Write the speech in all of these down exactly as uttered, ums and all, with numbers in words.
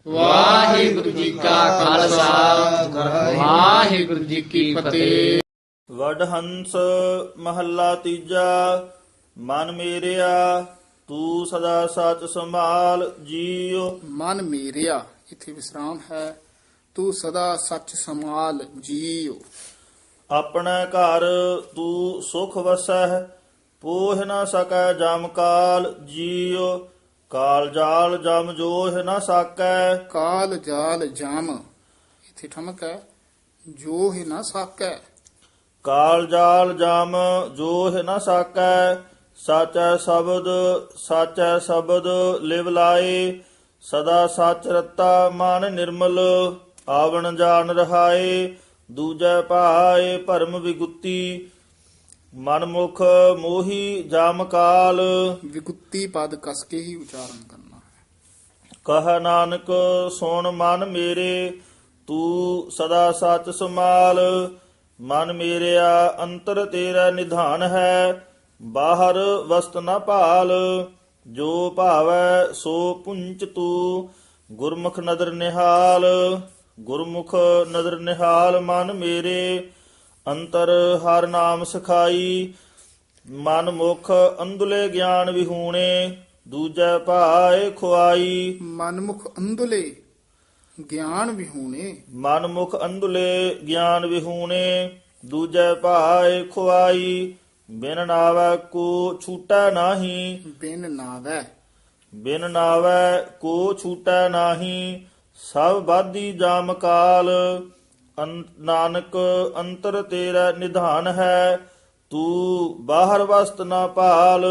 ਵਾਹਿਗੁਰੂ ਜੀ ਕਾ ਖਾਲਸਾ ਵਾਹਿਗੁਰੂ ਜੀ ਕੀ ਫਤਿਹ। ਵਡਹੰਸ ਮਹੱਲਾ ਤੀਜਾ। ਮਨ ਮੇਰਿਆ ਤੂੰ ਸਦਾ ਸਚ ਸੰਭਾਲ ਜੀਉ। ਮਨ ਮੇਰਿਆ ਇੱਥੇ ਵਿਸਰਾਮ ਹੈ। ਤੂੰ ਸਦਾ ਸੱਚ ਸੰਭਾਲ ਜੀਉ। ਆਪਣੇ ਘਰ ਤੂੰ ਸੁਖ ਵਸੈ ਪੋਹ ਨਾ ਸਕੈ ਜਮ ਕਾਲ ਜੀਉ। ਕਾਲ ਜਾਲ ਜਮ ਜੋਹ ਨਾ ਸਾਕੈ। ਕਾਲ ਜਾਲ ਜਾਮ ਇੱਥੇ ਠਮਕ ਹੈ। ਜੋ ਹੀ ਨਾ ਸਾਕੈ। ਕਾਲ ਜਾਲ ਜਮ ਜੋਹ ਨਾ ਸਾਕੈ। ਸਾਚੈ ਸ਼ਬਦ ਸਾਚੈ ਸ਼ਬਦ ਲਿਵ ਲਾਏ। ਸਦਾ ਸਚ ਰਤਾ ਮਨ ਨਿਰਮਲ ਆਵਣ ਜਾਣ ਰਹਾਏ। ਦੂਜੈ ਭਾਏ ਭਰਮ ਵਿਗੁੱਤੀ ਮਨ ਮੁਖ ਮੋਹੀ ਜਾਮ ਕਾਲ। ਵਿਗੁੱਤੀ ਪਦ ਕਸ ਕੇ ਹੀ ਉਚਾਰਨ ਕਰਨਾ ਹੈ। ਕਹ ਨਾਨਕ ਸੁਣ ਮਨ ਮੇਰੇ ਤੂੰ ਸਦਾ ਸਚ ਸੰਭਾਲ। ਮਨ ਮੇਰਿਆ ਅੰਤਰ ਤੇਰਾ ਨਿਧਾਨ ਹੈ ਬਾਹਰ ਵਸਤ ਨ ਭਾਲ। ਜੋ ਭਾਵੈ ਸੋ ਪੁੰਚ ਤੂੰ ਗੁਰਮੁਖ ਨਦਰ ਨਿਹਾਲ। ਗੁਰਮੁਖ ਨਦਰ ਨਿਹਾਲ ਮਨ ਮੇਰੇ ਅੰਤਰ ਹਰ ਨਾਮ ਸਿਖਾਈ। ਮਨ ਮੁਖ ਅੰਧਲੇ ਗਿਆਨ ਵਿਹੂਣੇ ਦੂਜੈ ਭਾਏ ਖੁਆਈ। ਮਨਮੁਖ ਅੰਧਲੇ ਗਿਆਨ ਵਿਹੂਣੇ। ਮਨ ਮੁਖ ਅੰਧਲੇ ਗਿਆਨ ਵਿਹੂਣੇ ਦੂਜੈ ਭਾਏ ਖੁਆਈ। ਬਿਨ ਨਾਵੈ ਕੋ ਛੂਟੈ ਨਾਹੀ। ਬਿਨ ਨਾਵੈ ਬਿਨ ਨਾਵੈ ਕੋ ਛੂਟੈ ਨਾਹੀ। ਸਭ ਬਾਧੀ ਜਾਮ ਕਾਲ। ਅੰ- ਨਾਨਕ ਅੰਤਰ ਤੇਰਾ ਨਿਧਾਨ ਹੈ ਤੂੰ ਬਾਹਰ ਵਸਤ ਨਾ ਭਾਲ।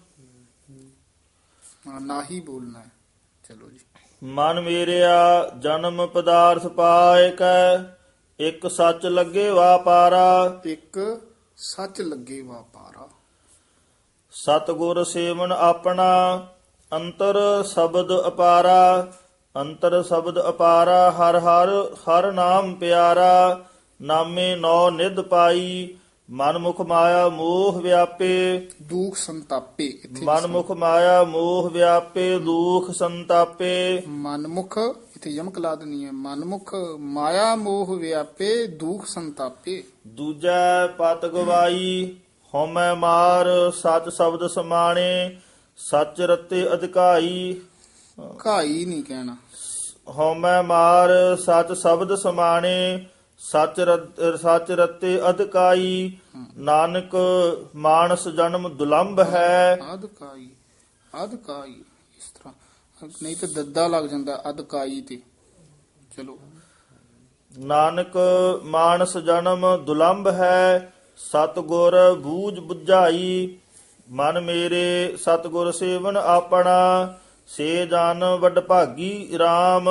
ਹਾਂ, ਨਾ ਹੀ ਬੋਲਣਾ ਹੈ। ਚਲੋ ਜੀ। ਮਨ ਮੇਰਿਆ ਜਨਮ ਪਦਾਰਥ ਪਾਇ ਕੈ ਇੱਕ ਸੱਚ ਲੱਗੇ ਵਾਪਾਰਾ। ਇੱਕ ਸੱਚ ਲੱਗੇ ਵਾਪਾਰਾ। ਸਤਿਗੁਰ ਸੇਵਨ ਆਪਣਾ ਅੰਤਰ ਸ਼ਬਦ ਅਪਾਰਾ। ਅੰਤਰ ਸ਼ਬਦ ਅਪਾਰਾ ਹਰ ਹਰ ਹਰ ਨਾਮ ਪਿਆਰਾ। ਨਾਮੇ ਨੌ ਨਿਧ ਪਾਈ ਮਨ ਮੁਖ ਮਾਇਆ ਮੋਹ ਵਿਆਪੇ। ਦੁਖ ਸੰਤਾਪੇ ਇੱਥੇ ਮਨ ਮੁਖ ਮਾਇਆ ਮੋਹ ਵਿਆਪੇ ਦੁਖ ਸੰਤਾਪੇ। ਮਨਮੁਖ ਇੱਥੇ ਯਮਕ ਲਾ ਦੇਣੀ ਹੈ। ਮਨਮੁਖ ਮਾਇਆ ਮੋਹ ਵਿਆਪੇ ਦੁਖ ਸੰਤਾਪੇ। ਦੂਜੈ ਪਤ ਗਵਾਈ ਹਉਮੈ ਮਾਰ ਸਚ ਸ਼ਬਦ ਸਮਾਣੇ। ਸਚ ਰਤੇ ਅਧਿਕਾਈ ਘਾਈ ਨਹੀਂ ਕਹਿਣਾ। ਹਉਮੈ ਮਾਰ ਸਚ ਸ਼ਬਦ ਸਮਾਣੇ। ਸਚ ਰਤ- ਸਚ ਰਤੇ ਅਧਿਕਾਈ। ਨਾਨਕ ਮਾਨਸ ਜਨਮ ਦੁਲੰਭ ਹੈ। ਅਧਕਾਈ ਅਧਕਾਈ ਇਸ ਤਰ੍ਹਾਂ ਨਹੀਂ ਤਾਂ ਦੱਦਾ ਲੱਗ ਜਾਂਦਾ ਅਧਕਾਈ ਤੇ। ਚਲੋ। ਨਾਨਕ ਮਾਨਸ ਜਨਮ ਦੁਲੰਭ ਹੈ। ਸਤਿਗੁਰ ਬੂਝ ਬੁਝਾਈ। ਮਨ ਮੇਰੇ ਸਤਿਗੁਰ ਸੇਵਨ ਆਪਣਾ। ਸੇ ਜਨ ਵੱਡ ਭਾਗੀ RAM।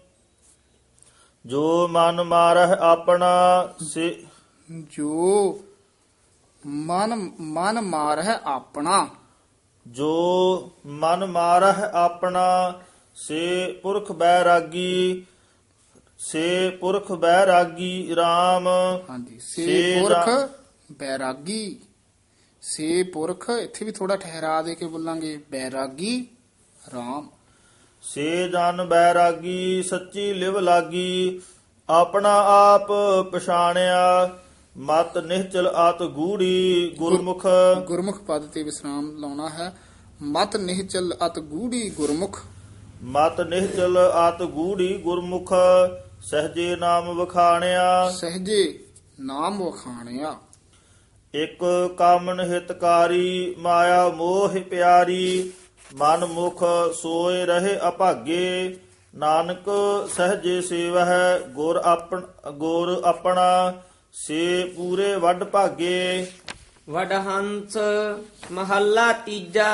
ਜੋ ਮਨ ਮਾਰਹਿ ਆਪਣਾ ਸੇ ਜੋ ਮਨ ਮਨ ਮਾਰ ਹੈ ਆਪਣਾ। ਜੋ ਮਨ ਮਾਰਹਿ ਆਪਣਾ ਸੇ ਪੁਰਖ ਬੈਰਾਗੀ। ਸੇ ਪੁਰਖ ਬੈਰਾਗੀ RAM। ਹਾਂਜੀ। ਸੇ ਸੇ ਪੁਰਖ ਜਾ- ਬੈਰਾਗੀ। ਸੇ ਪੁਰਖ ਇੱਥੇ ਵੀ ਥੋੜਾ ਠਹਿਰਾ ਦੇ ਕੇ ਬੋਲਾਂਗੇ। ਬੈਰਾਗੀ RAM। ਸੇ ਜਨ ਬੈਰਾਗੀ ਸੱਚੀ ਲਿਵ ਲਾਗੀ। ਆਪਣਾ ਆਪ ਪਛਾਣਿਆ ਮਤ ਨਿਹਚਲ ਆਤ ਗੂੜੀ। ਗੁਰਮੁਖ ਗੁਰਮੁਖ ਪਦ ਤੇ ਵਿਸਰਾਮ ਲਾਉਣਾ ਹੈ। ਮਤ ਨਿਹਚਲ ਅਤ ਗੂੜੀ ਗੁਰਮੁਖ। ਮਤ ਨਿਹਚਲ ਆਤ ਗੂੜੀ ਗੁਰਮੁਖ। ਸਹਜੇ ਨਾਮ ਵਖਾਣਿਆ। ਸਹਜੇ ਨਾਮ ਵਖਾਣਿਆ। ਇਕ ਕਾਮਨ ਹਿਤਕਾਰੀ ਮਾਇਆ ਮੋਹ ਪਿਆਰੀ। ਮਨ ਮੁਖ ਸੋਏ ਰਹੇ ਅਭਾਗੇ। ਨਾਨਕ ਸਹਜੇ ਸੇਵਹਿ ਗੁਰ ਆਪਣ ਗੁਰ ਆਪਣਾ। ਸੇ ਪੂਰੇ ਵੱਡ ਭਾਗੇ। ਵਡਹੰਸ ਮਹੱਲਾ ਤੀਜਾ।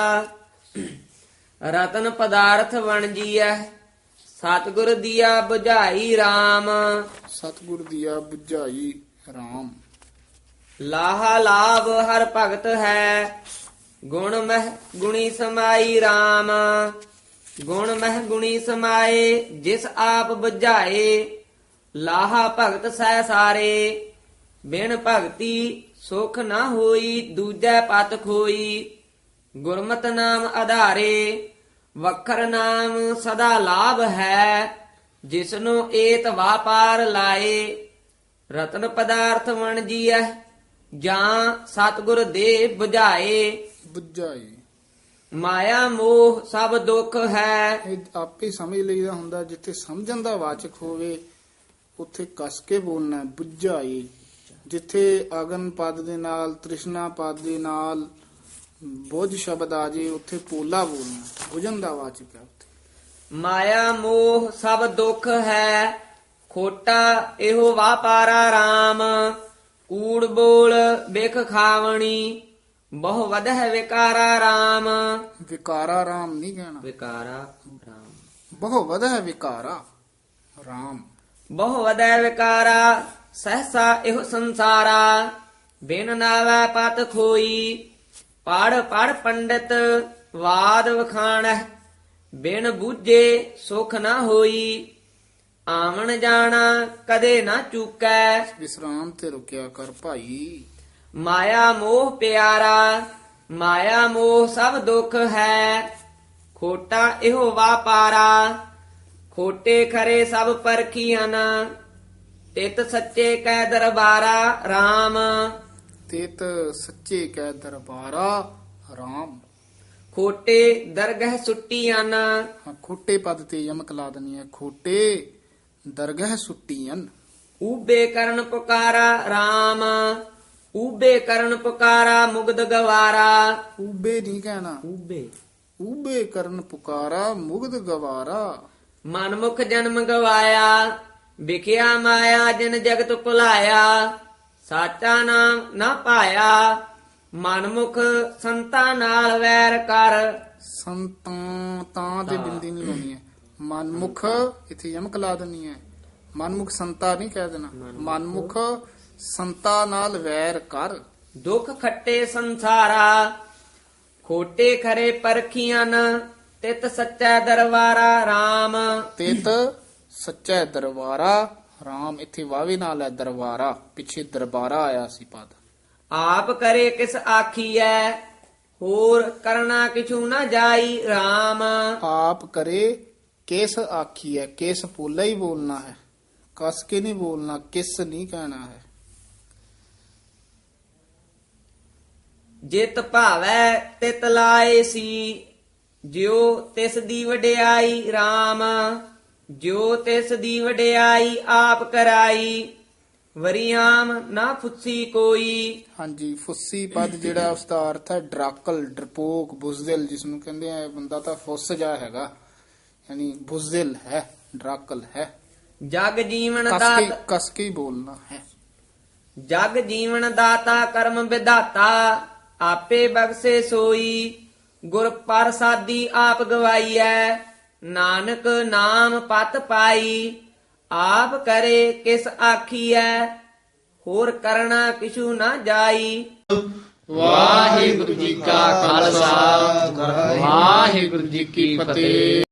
ਰਤਨ ਪਦਾਰਥ ਵਣਜੀਐ ਸਤਿਗੁਰ ਦੀਆ 부ਝਾਈ RAM। ਸਤਿਗੁਰ ਦੀਆ 부ਝਾਈ RAM। ਲਾਹਾ ਲਾਭ ਹਰ ਭਗਤ ਹੈ ਗੁਣ ਮਹਿ ਗੁਣੀ ਸਮਾਈ RAM। ਗੁਣ ਮਹਿ ਗੁਣੀ ਸਮਾਏ ਜਿਸ ਆਪ 부ਝਾਏ। ਲਾਹਾ ਭਗਤ ਸਹਿ ਸਾਰੇ ਬਿਨ ਭਗਤੀ ਸੁਖ ਨਾ ਹੋਈ। ਦੂਜੈ ਪਤ ਖੋਈ ਗੁਰਮਤਿ ਨਾਮ ਆਧਾਰੇ। ਵਖਰ ਨਾਮ ਸਦਾ ਲਾਭ ਹੈ ਜਿਸਨੂੰ ਏਤ ਵਾਪਾਰ ਲਾਏ ਰਤਨ ਪਦਾਰਥ ਵਣ ਜੀਐ ਜਾਂ ਸਤਿਗੁਰ ਦੇ 부ਝਾਏ ਬੁੱਝਾਈ ਮਾਇਆ ਮੋਹ ਸਭ ਦੁੱਖ ਹੈ। ਇਹ ਆਪੇ ਸਮਝ ਲਈਦਾ ਹੁੰਦਾ, ਜਿੱਥੇ ਸਮਝਣ ਦਾ ਵਾਚਕ ਹੋਵੇ ਉੱਥੇ ਕਸ ਕੇ ਬੋਲਣਾ ਹੈ, ਬੁੱਝਾਈ। ਜਿੱਥੇ ਅਗਨ ਪਦ ਦੇ ਨਾਲ ਤ੍ਰਿਸ਼ਨਾ ਪਦ ਦੇ ਨਾਲ ਬੁੱਝ ਸ਼ਬਦ ਆ ਜੇ ਉੱਥੇ ਪੋਲਾ ਬੋਲਣਾ, ਬੁਝਣ ਦਾ ਵਾਚਕ ਹੈ ਉੱਥੇ। ਮਾਇਆ ਮੋਹ ਸਭ ਦੁੱਖ ਹੈ ਖੋਟਾ ਇਹੋ ਵਾਪਾਰਾ RAM ਕੂੜ ਬੋਲ ਬਿਖ ਖਾਵਣੀ ਬਹੁ ਵਧਹਿ ਵਿਕਾਰਾ RAM। ਵਿਕਾਰਾ ਰਾਮ ਨਹੀਂ ਕਹਿਣਾ, ਵਿਕਾਰਾ RAM ਬਹੁ ਵਧਹਿ ਵਿਕਾਰਾ ਰਾਮ। ਬਹੁ ਵਧਹਿ ਵਿਕਾਰਾ ਸਹਸਾ ਇਹੋ ਸੰਸਾਰਾ ਬਿਨ ਨਾਵੈ ਪਤ ਖੋਈ ਪੜ ਪੜ ਪੰਡਿਤ ਵਾਦ ਵਖਾਣਹਿ ਬਿਨ ਬੂਝੇ ਸੁਖ ਨਾ ਹੋਈ ਆਵਣ ਜਾਣਾ ਕਦੇ ਨਾ ਚੂਕੈ। ਵਿਸਰਾਮ ਤੇ ਰੁਕਿਆ ਕਰ ਭਾਈ। ਮਾਇਆ ਮੋਹ ਪਿਆਰਾ ਮਾਇਆ ਮੋਹ ਸਭ ਦੁੱਖ ਹੈ ਖੋਟਾ ਇਹੋ ਵਾਪਾਰਾ ਖੋਟੇ ਖਰੇ ਸਭ ਪਰਖੀਆਂ ਤਿਤ ਸੱਚੇ ਕੈ ਦਰਬਾਰਾ RAM। ਤੇਤ ਸੱਚੇ ਕੈ ਦਰਬਾਰਾ ਰਾਮ। ਖੋਟੇ ਦਰਗਹ ਸੁੱਟੀਆਂ ਹਾਂ, ਖੋਟੇ ਪਦ ਤੇ ਯਮਕ ਲਾ ਦੇਣੀ ਹੈ, ਖੋਟੇ ਦਰਗਹ ਸੁੱਟੀਆਂ। ਊਬੇ ਕਰਨ ਪੁਕਾਰਾ RAM ਊਬੇ ਕਰਨ ਪੁਕਾਰਾ ਮੁਗਦ ਗਵਾਰਾ। ਊਬੇ ਨਹੀਂ ਕਹਿਣਾ, ਊਬੇ ਊਬੇ ਕਰਨ ਪੁਕਾਰਾ ਮੁਗਧ ਗਵਾਰਾ। ਮਨਮੁਖ ਜਨਮ ਗਵਾਇਆ ਵਿਖਿਆ ਮਾਇਆ ਜਿਨ ਜਗਤ ਭੁਲਾਇਆ ਸਾਚਾ ਨਾਮ ਨਾ ਪਾਇਆ ਮਨਮੁਖ ਸੰਤਾਂ ਨਾਲ ਵੈਰ ਕਰ। ਸੰਤਾਂ ਤਾਂ ਤੇ ਬਿੰਦੀ ਨਹੀਂ ਲਾਉਣੀ ਹੈ, ਮਨਮੁਖ ਇੱਥੇ ਯਮਕ ਲਾ ਦੇਣੀ ਹੈ, ਮਨਮੁਖ ਸੰਤਾ ਨਹੀਂ ਕਹਿ ਦੇਣਾ, ਮਨਮੁਖ ਸੰਤਾ ਨਾਲ ਵੈਰ ਕਰ। ਦੁੱਖ ਖੱਟੇ ਸੰਸਾਰਾ ਖੋਟੇ ਖਰੇ ਪਰਖੀਆਂ ਤਿਤ ਸੱਚਾ ਦਰਬਾਰਾ RAM। ਤਿਤ ਸੱਚਾ ਦਰਬਾਰਾ ਰਾਮ। ਇੱਥੇ ਵਾਵੇ ਨਾਲ ਹੈ ਦਰਬਾਰਾ, ਪਿੱਛੇ ਦਰਬਾਰਾ ਆਇਆ ਸੀ ਪਦ। ਆਪ ਕਰੇ ਕਿਸ ਆਖੀਐ ਹੋਰ ਕਰਨਾ ਕਿਛੂ ਨਾ ਜਾਈ RAM। ਆਪ ਕਰੇ ਕਿਸ ਆਖੀ ਹੈ, ਕਿਸ ਪੋਲਾ ਹੀ ਬੋਲਣਾ ਹੈ, ਕਸ ਕੇ ਨਹੀਂ ਬੋਲਣਾ, ਕਿਸ ਨਹੀਂ ਕਹਿਣਾ ਹੈ। ਜਿਤ ਭਾਵੈ ਤਿਤ ਲਾਏ ਸੀ ਜਿਉ ਤਿਸ ਦੀ ਵਡਿਆਈ RAM। ਜਿਉ ਤਿਸ ਦੀ ਵਡਿਆਈ ਆਪ ਕਰਾਈ ਵਰਿਆਮ ਨਾ ਫੁੱਸੀ ਕੋਈ। ਹਾਂਜੀ, ਫੁੱਸੀ ਪਦ ਜਿਹੜਾ ਉਸ ਦਾ ਅਰਥ ਹੈ ਡਰਾਕਲ, ਡਰਪੋਕ, ਬੁਜ਼ਦਿਲ, ਜਿਸ ਨੂੰ ਕਹਿੰਦੇ ਆ ਬੰਦਾ ਤਾਂ ਫੁੱਸ ਜਾ ਹੈਗਾ, ਯਾਨੀ ਬੁਜ਼ਦਿਲ ਹੈ, ਡਰਾਕਲ ਹੈ। ਜਗ ਜੀਵਨ ਕਸ ਕੇ ਦਾਤਾ ਕਸ ਕੇ ਹੀ ਬੋਲਣਾ ਹੈ। ਜਗ ਜੀਵਨ ਦਾਤਾ ਕਰਮ ਵਿਧਾਤਾ ਆਪੇ ਬਖਸ਼ੇ ਸੋਈ ਗੁਰ ਪ੍ਰਸਾਦੀ ਆਪ ਗਵਾਈਐ ਨਾਨਕ ਨਾਮ ਪਤ ਪਾਈ। ਆਪ ਕਰੇ ਕਿਸ ਆਖੀਐ ਹੋਰ ਕਰਨਾ ਕਿਛੂ ਨਾ ਜਾਈ। ਵਾਹਿਗੁਰੂ ਜੀ ਕਾ ਖਾਲਸਾ, ਵਾਹਿਗੁਰੂ ਜੀ ਕੀ ਫਤਿਹ।